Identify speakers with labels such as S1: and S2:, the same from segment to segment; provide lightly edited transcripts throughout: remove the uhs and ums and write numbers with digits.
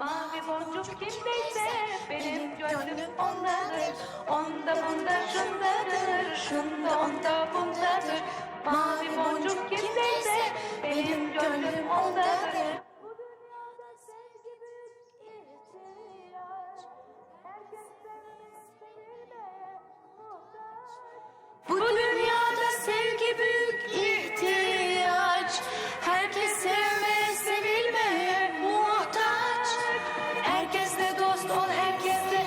S1: Mavi boncuk kimdeyse benim gönlüm ondadır. Onda bunda şundadır, şunda onda bundadır. Mavi boncuk kimdeyse benim gönlüm ondadır. Bu dünyada sevgi büyük ihtiyaç. Herkes sevmeye, sevilmeye muhtaç. Herkesle dost ol, herkesle.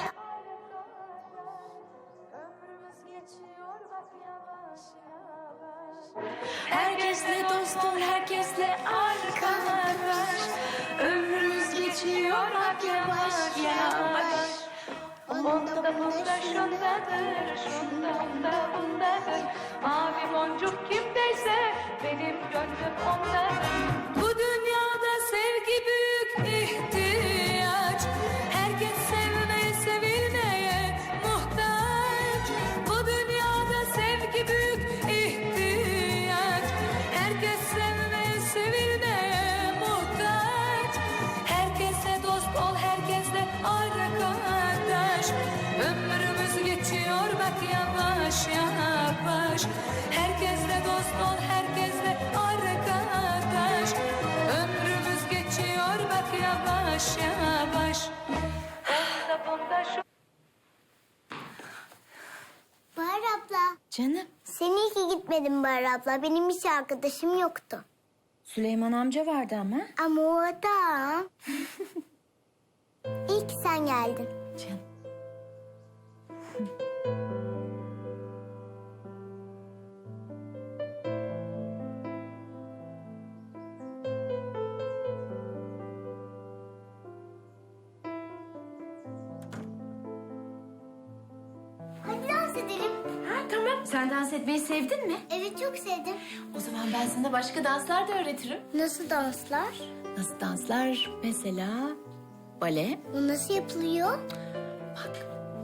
S1: Ömrümüz geçiyor bak yavaş yavaş. Herkesle dost ol, herkesle arkadaş. Ömrümüz geçiyor bak yavaş yavaş. Onda bunda şundadır, şunda onda bundadır. Mavi boncuk kimdeyse benim gönlüm ondadır. Bu dünyada sevgi büyük ihtiyaç. Herkes sevmeye, sevilmeye muhtaç. Bu dünyada sevgi büyük ihtiyaç. Herkes sevmeye, sevilmeye muhtaç. Herkese dost ol, herkesle arkadaş. Ömrümüz geçiyor bak yavaş yavaş. Herkesle dost ol, herkesle arkadaş. Ömrümüz geçiyor bak yavaş yavaş. Onda bunda şu...
S2: Bahar abla.
S3: Canım,
S2: Sen iyi ki gitmedin Bahar abla. Benim hiç arkadaşım yoktu.
S3: Süleyman amca vardı ama.
S2: Ama o adam... İyi ki sen geldin.
S3: Canım.
S2: Hadi dans edelim.
S3: Ha, tamam. Sen dans etmeyi sevdin mi?
S2: Evet çok sevdim.
S3: O zaman ben sana başka danslar da öğretirim.
S2: Nasıl danslar?
S3: Nasıl danslar? Mesela bale.
S2: O nasıl yapılıyor?
S3: Bak.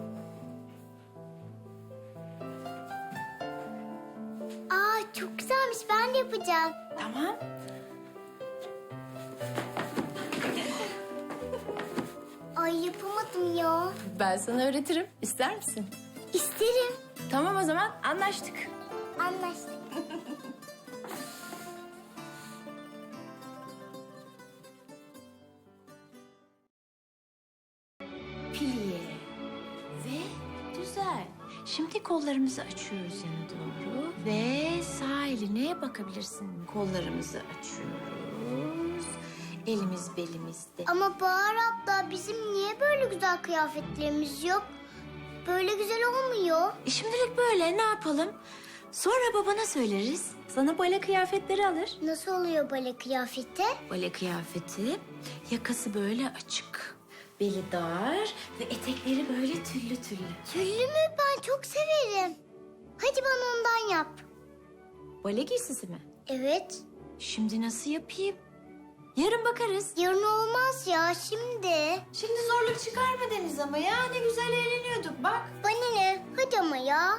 S2: Aa çok güzelmiş. Ben de yapacağım.
S3: Tamam.
S2: Ay yapamadım ya.
S3: Ben sana öğretirim. İster misin?
S2: İsterim.
S3: Tamam o zaman anlaştık.
S2: Anlaştık.
S3: Pliye ve düzel. Şimdi kollarımızı açıyoruz yana doğru ve sağ eline bakabilirsin. Kollarımızı açıyoruz. Elimiz belimizde.
S2: Ama Bahar abla bizim niye böyle güzel kıyafetlerimiz yok? Böyle güzel olmuyor.
S3: Şimdilik böyle ne yapalım? Sonra babana söyleriz. Sana bale kıyafetleri alır.
S2: Nasıl oluyor bale kıyafeti?
S3: Bale kıyafeti, yakası böyle açık. Beli dar ve etekleri böyle tüllü tüllü.
S2: Tüllü mü? Ben çok severim. Hadi bana ondan yap.
S3: Bale giysisi mi?
S2: Evet.
S3: Şimdi nasıl yapayım? Yarın bakarız.
S2: Yarın olmaz ya şimdi.
S3: Şimdi zorluk çıkarma Deniz ama ya. Ne güzel eğleniyorduk bak.
S2: Bana ne? Hadi ama ya.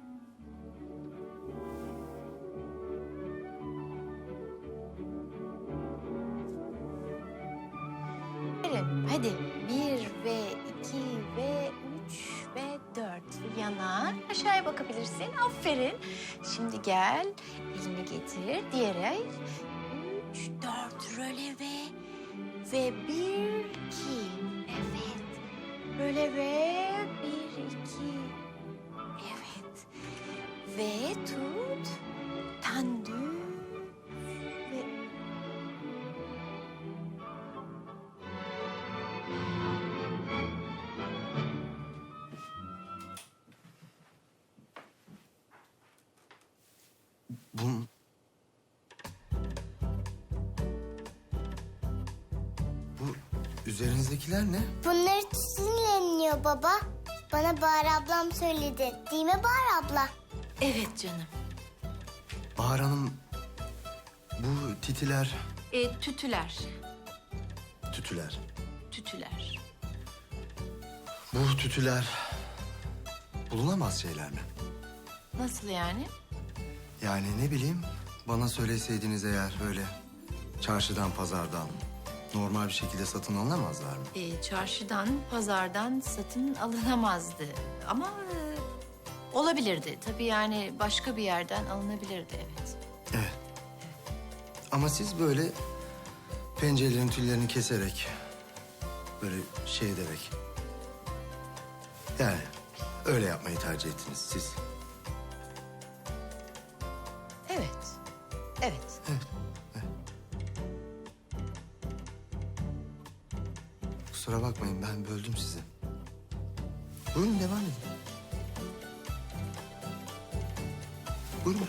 S3: Hadi. 1 ve 2 ve 3 ve 4. Yana aşağıya bakabilirsin. Aferin. Şimdi gel. Elini getir. Diğer el. 3, 4 röleve. Ve 1, 2. Evet. Röleve. 1, 2. Evet. Ve tut. Tendu. Ve
S4: Bu üzerinizdekiler ne?
S2: Bunları tütünleniyor baba. Bana Bahar ablam söyledi. Değil mi Bahar abla?
S3: evet canım.
S4: Bahar Hanım, bu titiler,
S3: Tütüler.
S4: tütüler.
S3: Tütüler.
S4: Bu tütüler bulunamaz şeyler mi?
S3: Nasıl yani?
S4: Yani ne bileyim, bana söyleseydiniz eğer böyle çarşıdan, pazardan normal bir şekilde satın alınamazlar mı?
S3: Çarşıdan, pazardan satın alınamazdı. Ama olabilirdi. Tabii yani başka bir yerden alınabilirdi, evet.
S4: Evet. Ama siz böyle pencerelerin tüllerini keserek, böyle şey ederek... Yani öyle yapmayı tercih ettiniz siz.
S3: Evet, evet.
S4: Kusura bakmayın, ben böldüm sizi. Buyurun, devam edin. Buyurun.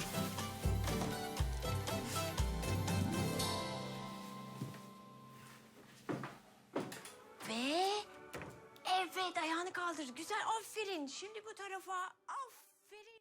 S3: Ve evet, ayağını kaldır. Güzel, aferin. Şimdi bu tarafa.